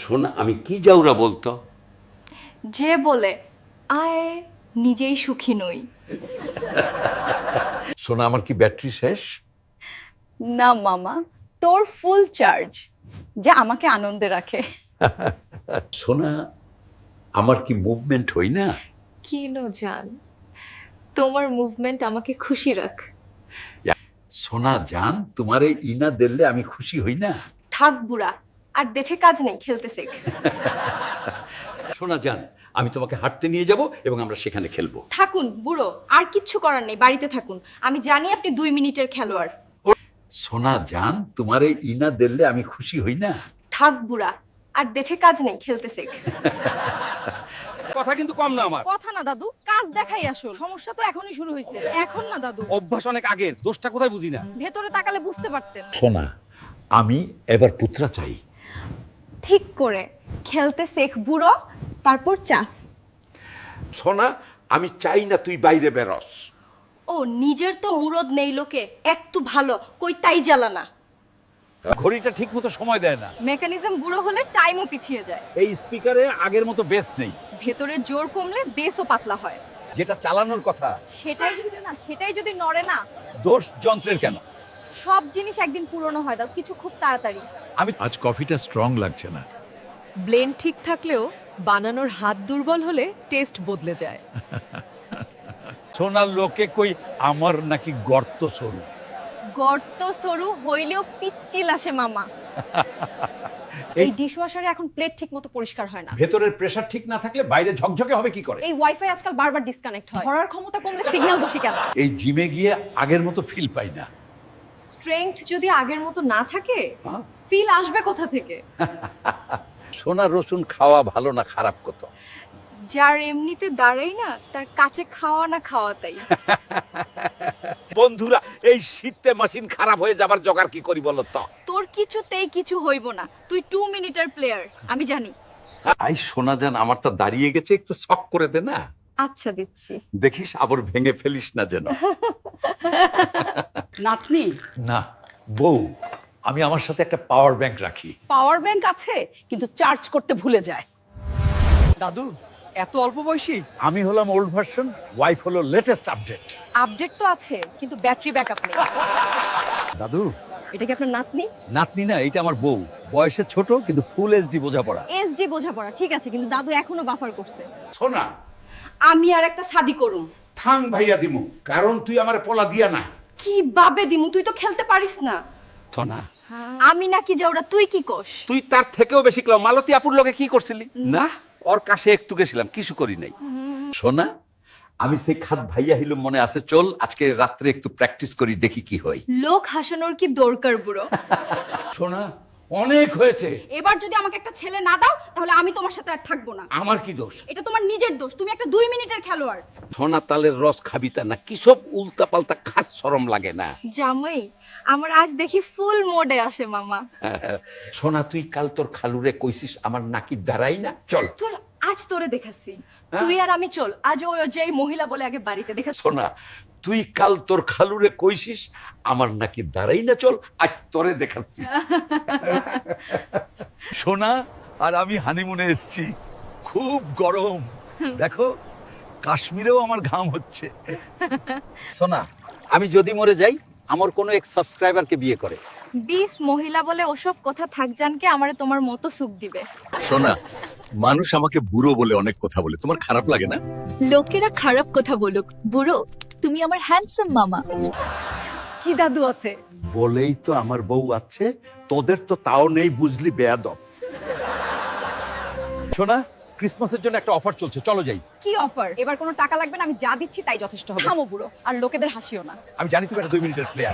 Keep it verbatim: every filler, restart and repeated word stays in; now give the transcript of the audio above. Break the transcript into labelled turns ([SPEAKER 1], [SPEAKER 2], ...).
[SPEAKER 1] শোনা, আমি কি যাওরা বলতো?
[SPEAKER 2] যে বলে আয় নিজেই সুখী নই।
[SPEAKER 1] শোনা, আমার কি ব্যাটারি শেষ?
[SPEAKER 3] না মামা, তোর ফুল চার্জ, যা আমাকে আনন্দে রাখে।
[SPEAKER 1] শোনা, আমার কি মুভমেন্ট হই না?
[SPEAKER 2] কি নো জান, তোমার মুভমেন্ট আমাকে খুশি রাখ।
[SPEAKER 1] সোনা জান, তোমারে ইনা দিলে আমি খুশি হই না?
[SPEAKER 2] থাক বুড়া, আর দেখে কাজ নেই, খেলতে শেখ।
[SPEAKER 1] সোনা জান, আমি তোমাকে হাঁটতে নিয়ে যাব এবং আমরা সেখানে খেলবো।
[SPEAKER 2] থাকুন বুড়ো, আর কিচ্ছু করার নেই, বাড়িতে থাকুন। আমি জানি আপনি দুই মিনিটের খেলোয়াড়।
[SPEAKER 1] সোনা জান, তোমারে ইনা দিলে আমি খুশি হই না?
[SPEAKER 2] থাক বুড়া, আর দেখে কাজ নেই, খেলতে শেখ।
[SPEAKER 4] কথা কিন্তু কম না আমার।
[SPEAKER 3] কথা না দাদু, কাজ দেখাই আসল। সমস্যা তো এখনই শুরু হয়েছে। এখন না দাদু,
[SPEAKER 4] অভ্যাস অনেক আগের, দোষটা কোথায় বুঝি না।
[SPEAKER 3] ভেতরে তাকালে বুঝতে পারতেন।
[SPEAKER 1] সোনা, আমি এবার পুত্রা চাই।
[SPEAKER 2] ঠিক করে খেলতে শেখ বুড়ো, তারপর চাস।
[SPEAKER 1] সোনা, আমি চাই না তুই বাইরে বেরোস।
[SPEAKER 2] ও নিজের তো মুরদ নেই লোকে, একটু ভালো কই তাই জ্বালানা।
[SPEAKER 4] ঘড়িটা ঠিক মতো সময় দেয় না।
[SPEAKER 2] মেকানিজম বুড়ো হলে টাইমও পিছিয়ে যায়।
[SPEAKER 4] এই স্পিকারে আগের মতো বেস নেই।
[SPEAKER 2] ভেতরের জোর কমলে বেসও পাতলা হয়।
[SPEAKER 4] যেটা চালানোর কথা,
[SPEAKER 2] সেটাই যদি না সেটাই যদি নড়ে না,
[SPEAKER 4] দোষ যন্ত্রের কেন?
[SPEAKER 2] সব জিনিস একদিন পুরনো হয়, দাও কিছু খুব তাড়াতাড়ি।
[SPEAKER 4] আমি
[SPEAKER 5] আজ কফিটা স্ট্রং লাগছে না।
[SPEAKER 6] ব্লেন্ড ঠিক থাকলেও বানানোর হাত দুর্বল হলে টেস্ট বদলে যায়।
[SPEAKER 4] সোনার লোকে কই আমার নাকি গর্ত সরু।
[SPEAKER 2] গর্ত সরু হইলেও পিচ্ছিল আসে মামা। এই ডিশওয়াশারে এখন প্লেট ঠিক মতো পরিষ্কার হয় না।
[SPEAKER 4] ভেতরের প্রেসার ঠিক না থাকলে বাইরে ঝকঝকে হবে কি করে?
[SPEAKER 2] এই ওয়াইফাই আজকাল বারবার ডিসকানেক্ট হয়। ধরার ক্ষমতা কমলে সিগন্যাল দোষী কেন?
[SPEAKER 4] এই জিমে গিয়ে আগের মতো ফিল পাই না।
[SPEAKER 2] স্ট্রেংথ যদি আগের মতো না থাকে, ফিল আসবে কোথা থেকে?
[SPEAKER 4] সোনা রসুন খাওয়া ভালো না খারাপ কত?
[SPEAKER 2] যার এমনিতে দাঁড়াই না, তার কাছে খাওয়া না খাওয়া তাই।
[SPEAKER 4] বন্ধুরা, এই শীতে মেশিন খারাপ হয়ে যাবার জোগাড় কি করি বলো তো?
[SPEAKER 2] তোর কিছুতেই কিছু হইব না, তুই টু মিনিটের প্লেয়ার, আমি জানি।
[SPEAKER 1] আই সোনা জান, আমার তো দাঁড়িয়ে গেছে, একটু শক করে দে না।
[SPEAKER 2] আচ্ছা দিচ্ছি।
[SPEAKER 1] দেখিস আবার ভেঙে ফেলিস না যেন।
[SPEAKER 3] নাতনি,
[SPEAKER 5] না বউ, আমি আমার সাথে একটা পাওয়ার ব্যাংক রাখি।
[SPEAKER 3] পাওয়ার ব্যাংক আছে কিন্তু চার্জ করতে ভুলে যায়।
[SPEAKER 7] দাদু এত অল্প বয়সী?
[SPEAKER 4] আমি হলাম ওল্ড ভার্সন, ওয়াইফ হলো লেটেস্ট আপডেট।
[SPEAKER 2] আপডেট তো আছে, কিন্তু ব্যাটারি ব্যাকআপ নেই।
[SPEAKER 4] দাদু,
[SPEAKER 2] এটা কি আপনার নাতনি?
[SPEAKER 4] নাতনি না, এটা আমার বউ। বয়সে ছোট কিন্তু ফুল এইচডি বোঝাপড়া।
[SPEAKER 2] এসডি বোঝাপড়া ঠিক আছে, কিন্তু দাদু এখনো বাফার করছে।
[SPEAKER 1] সোনা,
[SPEAKER 2] আমি আর একটা শাদি করুম।
[SPEAKER 1] থাং ভাইয়া দিমু, কারণ তুই আমার পোলা দিয়া না।
[SPEAKER 2] কি বাবে দিমু, তুই তো খেলতে পারিস না।
[SPEAKER 1] সোনা,
[SPEAKER 2] আমি নাকি যে ওরা, তুই কি কোস?
[SPEAKER 4] তুই তার থেকেও বেশি ক্লাও। মালতী আপুর লগে কি করছিলি?
[SPEAKER 1] না, ওর কাছে একটু গেছিলাম, কিছু করি নাই। সোনা, আমি সেই খাত ভাইয়া হিলুম, মনে আছে? চল আজকে রাত্রে একটু প্র্যাকটিস করি, দেখি কি হয়।
[SPEAKER 2] লোক হাসানোর কি দরকার বুড়ো?
[SPEAKER 4] সোনা, অনেক হয়েছে।
[SPEAKER 2] এবার যদি আমাকে একটা ছেলে না দাও, তাহলে আমি তোমার সাথে আর থাকবো না।
[SPEAKER 4] আমার কি দোষ?
[SPEAKER 2] এটা তোমার নিজের দোষ, তুমি একটা দুই মিনিটের খেলোয়াড়।
[SPEAKER 1] সোনা, তালের রস খাবি তা না, কি সব উল্টা পাল্টা খাস, শরম লাগে না?
[SPEAKER 2] জামাই, আমার আজ দেখি ফুল মোডে আসে মামা।
[SPEAKER 1] সোনা, তুই কাল তোর খালুরে কইছিস আমার নাকি দাঁড়াই না। চল
[SPEAKER 2] তোর আজ তোরে দেখাচ্ছি, তুই আর আমি চল। আজ ওই যেই মহিলা বলে আগে বাড়িতে দেখাচ্ছি।
[SPEAKER 1] সোনা, তুই কাল তোর খালুরে কইছিস আমার নাকি দাঁড়াই না, চল আজ তোরে দেখাচ্ছি।
[SPEAKER 5] সোনা আর আমি হানিমুনে এসেছি, খুব গরম। দেখো, কাশ্মীরেও আমার ঘাম হচ্ছে।
[SPEAKER 4] সোনা, আমি যদি মরে যাই, আমার কোনো এক সাবস্ক্রাইবারকে বিয়ে করে।
[SPEAKER 2] বিশ মহিলা বলে ওসব কথা থাক জানকে, আমারে তোমার মতো সুখ দিবে।
[SPEAKER 5] সোনা, মানুষ আমাকে বুড়ো বলে অনেক কথা বলে, তোমার খারাপ লাগে না?
[SPEAKER 6] লোকেরা খারাপ কথা বলুক, বুড়ো তুমি আমার হ্যান্ডসাম মামা।
[SPEAKER 3] কি দাদু আছে?
[SPEAKER 1] বলেই তো আমার বউ আছে, তোদের তো তাও নেই, বুঝলি বেয়াদব।
[SPEAKER 4] সোনা, ক্রিসমাসের জন্য একটা অফার চলছে, চলো যাই।
[SPEAKER 2] কি অফার? এবার কোনো টাকা লাগবে না, আমি যা দিচ্ছি তাই যথেষ্ট হবে। থামো বুড়ো, আর লোকেদের হাসিও না।
[SPEAKER 4] আমি জানি তুমি একটা দুই মিনিটের প্লেয়ার।